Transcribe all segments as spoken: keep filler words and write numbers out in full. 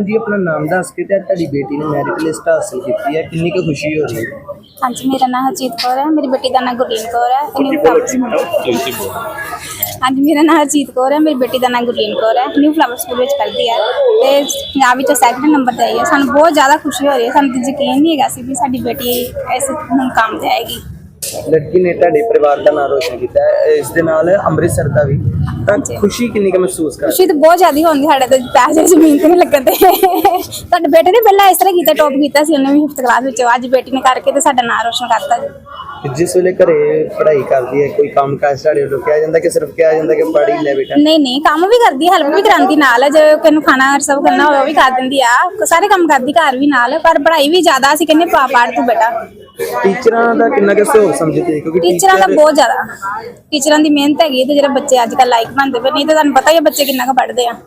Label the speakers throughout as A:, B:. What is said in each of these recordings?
A: जी, अपना नाम दस के ते ਤੁਹਾਡੀ बेटी ने मैरिट लिस्ट हासिल की है, कितनी की खुशी हो रही है?
B: हाँ जी, मेरा नाम हरजीत कौर है, मेरी बेटी का नाम गुरलीन कौर है। हाँ जी, मेरा नाम हरजीत कौर है, मेरी बेटी का नाम गुरलीन कौर है। न्यू फ्लावर स्कूल में पढ़ती है ते पंजाब विच सैकंड नंबर ते आई है। सानू बहुत ज़्यादा खुशी हो रही है, सानू यकीन नहीं है सी भी साडी बेटी इस मुकाम ते आएगी।
A: लड़की ने ਤੁਹਾਡੇ परिवार का नाम रोशन किया है, इस दे नाल अमृतसर का भी। ਤਾਂ खुशी कितनी का महसूस कर?
B: खुशी तो बहुत ज़्यादा होंदी, साडे ते पैसे ਜ਼ਮੀਨ ਤੇ ਨਹੀਂ ਲੱਗਦੇ। ਸਾਡੇ ਬੇਟੇ ਨੇ ਪਹਿਲਾਂ ਇਸ ਤਰ੍ਹਾਂ ਕੀਤਾ, ਟੌਪ ਕੀਤਾ ਸੀ ਉਹਨੇ ਵੀ ਫਿਫਥ ਕਲਾਸ ਵਿੱਚ। ਅੱਜ ਬੇਟੀ ਨੇ ਕਰਕੇ ਤੇ ਸਾਡਾ ਨਾਮ ਰੋਸ਼ਨ ਕਰਤਾ ਜੀ।
A: जिस वेले घरे पढ़ाई करती है कोई काम काज ਤੁਹਾਡੇ ਵੱਲੋਂ ਕਿਹਾ ਜਾਂਦਾ ਕਿ ਸਿਰਫ ਕਿਹਾ ਜਾਂਦਾ ਕਿ ਪੜ੍ਹ ਹੀ ਲੈ ਬੇਟਾ?
B: नहीं नहीं, काम भी करती है, हेल्प भी करांदी नाल। जो किन्नू खाना सब करना होवे वो भी कर दिंदी आ, सारे काम करदी घर भी नाल। पर पढ़ाई भी ज्यादा ਅਸੀਂ ਕਹਿੰਦੇ ਪਾ ਪੜ ਤੂੰ ਬੇਟਾ।
A: ਟੀਚਰਾਂ ਦਾ ਕਿੰਨਾ ਕੁ ਸਹਿਯੋਗ ਸਮਝਦੇ ਕਿਉਂਕਿ
B: ਟੀਚਰਾਂ ਦਾ ਬਹੁਤ ਜ਼ਿਆਦਾ, ਟੀਚਰਾਂ ਦੀ ਮਿਹਨਤ ਹੈਗੀ ਤੇ ਜਿਹੜੇ ਬੱਚੇ ਅੱਜ ਕੱਲ ਲਾਇਕ ਬਣਦੇ ਪਏ, ਨਹੀਂ ਤੇ ਤੁਹਾਨੂੰ ਪਤਾ ਹੀ ਹੈ ਬੱਚੇ ਕਿੰਨਾ ਕੁ ਪੜ੍ਹਦੇ ਆ।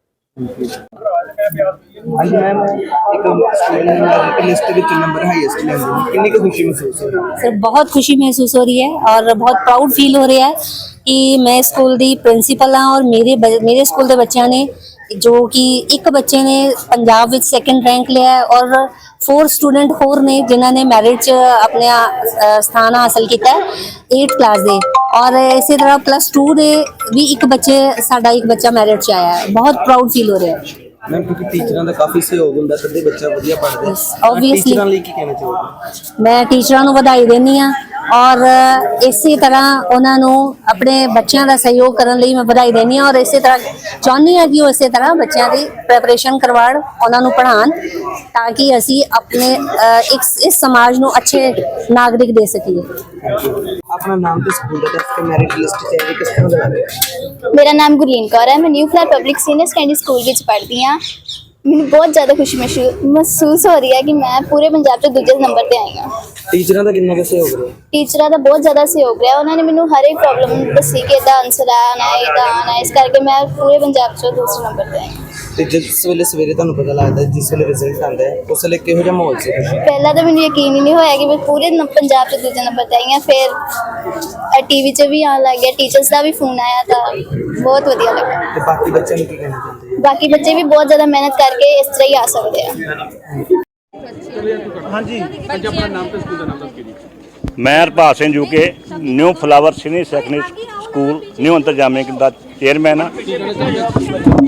A: हाँ जी मैम, एक मेरिट लिस्ट के नंबर हाईएस्ट लेंगे, कितनी की खुशी महसूस हो रही है?
C: सर बहुत खुशी महसूस हो रही है और बहुत प्राउड फील हो रहा है कि मैं स्कूल दी प्रिंसीपल हाँ और मेरे मेरे स्कूल के बच्चों ने जो कि एक बच्चे ने पंजाब विच सैकेंड रैंक लिया है और फोर स्टूडेंट होर ने जिन्होंने मैरिट च अपने स्थान हासिल किया है एट क्लास दे, और इसी तरह प्लस टू दे भी एक बच्चे साडा एक बच्चा मैरिट च आया है। बहुत प्राउड फील हो रहा है
A: मैम, क्योंकि टीचरों का काफ़ी सहयोग होंदा तदे बच्चा वधिया पढ़दा है।
C: ऑब्वियसली
A: टीचरां लई की कहना चाहोगे?
C: मैं टीचरों को ਵਧਾਈ ਦੇਣੀ ਆ और इसी तरह उन्होंने अपने बच्चों का सहयोग करने लिए मैं ਵਧਾਈ देनी और इसी तरह चाहनी हाँ कि वो इसी तरह बच्चों की प्रैपरेशन करवाण, उन्होंने पढ़ान ताकि असी अपने एक इस समाज को अच्छे नागरिक दे सकीए।
A: अपना नाम तो स्कूल का दस के मैरिट लिस्ट चाहिए किस तरह का लग रहा है?
D: मेरा नाम गुरलीन कौर है, मैं new flower public senior secondary school में पढ़ती हाँ। मैंने बहुत ज़्यादा खुशी महसूस हो रही है कि मैं पूरे पंजाब से दूसरे नंबर पर आई हाँ।
A: टीचरों का कितना सहयोग रहा?
D: टीचरों का बहुत ज़्यादा सहयोग रहा, उन्होंने मैंने हर एक प्रॉब्लम दसी कि इदा आंसर आना है इदा आना है, इस करके मैं पूरे पंजाब से दूसरे नंबर पर आई।
A: तो जिस वेले सवेरे तुहानू पता लगता है जिस वेले रिजल्ट आता है उस वेले किहो जिहा माहौल सी?
D: पहला तो मैंने यकीन ही नहीं होया कि मैं पूरे पंजाब से दूसरे नंबर पर आई हाँ। फिर टीवी च भी आने लग गया, टीचर्स का भी फोन आया था, बहुत वधिया लगा।
A: तो बाकी बच्चों ने की कहना चाहते हैं?
D: बाकी बच्चे भी बहुत ज़्यादा मेहनत करके इस तरह ही आ सकते हैं।
A: हाँ जी,
E: अपना नाम तो स्कूल का नाम दस के। मैं Harpal Singh UK new flower senior secondary school new Antarjami का चेयरमैन हाँ।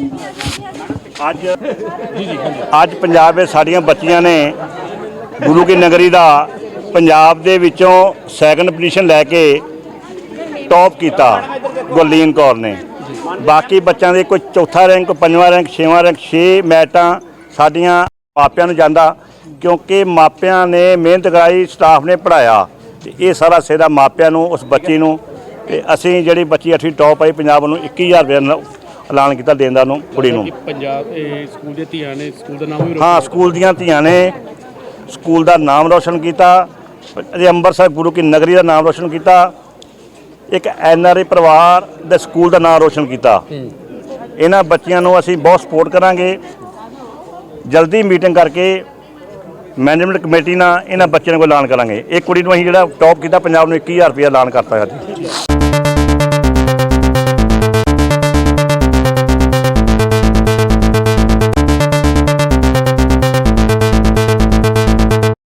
E: अज अज पंजाब में साड़ियाँ बच्चियां ने गुरु की नगरी का पंजाब दे विचों सैकंड पोजीशन लैके टॉप किया गुरलीन कौर ने। बाकी बच्चों के कोई चौथा रैंक, पंजवां रैंक, छेवां रैंक, छे मैरिटां साडियां मापियां नूं जांदा क्योंकि मापियां ने मेहनत कराई, स्टाफ ने पढ़ाया। ये सारा सेरा मापियां नूं उस बच्ची नूं ते असीं जिहड़ी बच्ची अठवीं टॉप आई पंजाब नूं इक्की हज़ार रुपया ऐलान किया देण दा नूं कुड़ी नूं।
F: पंजाब स्कूल दी धीआं ने स्कूल दा नाम भी
E: हाँ स्कूल दीआं धीआं ने स्कूल का नाम रोशन किया, अंबरसर गुरु की नगरी का नाम रोशन किया, एक एन आर आई परिवार दे स्कूल का नाम रोशन किया। इन्हां बच्चियां नूं असीं बहुत सपोर्ट करांगे। जल्दी मीटिंग करके मैनेजमेंट कमेटी नाल इन्हां बच्चियां को ऐलान करांगे। एक कुड़ी नूं असीं जिहड़ा टॉप किया पंजाब नूं इक्की हज़ार रुपया ऐलान करता है।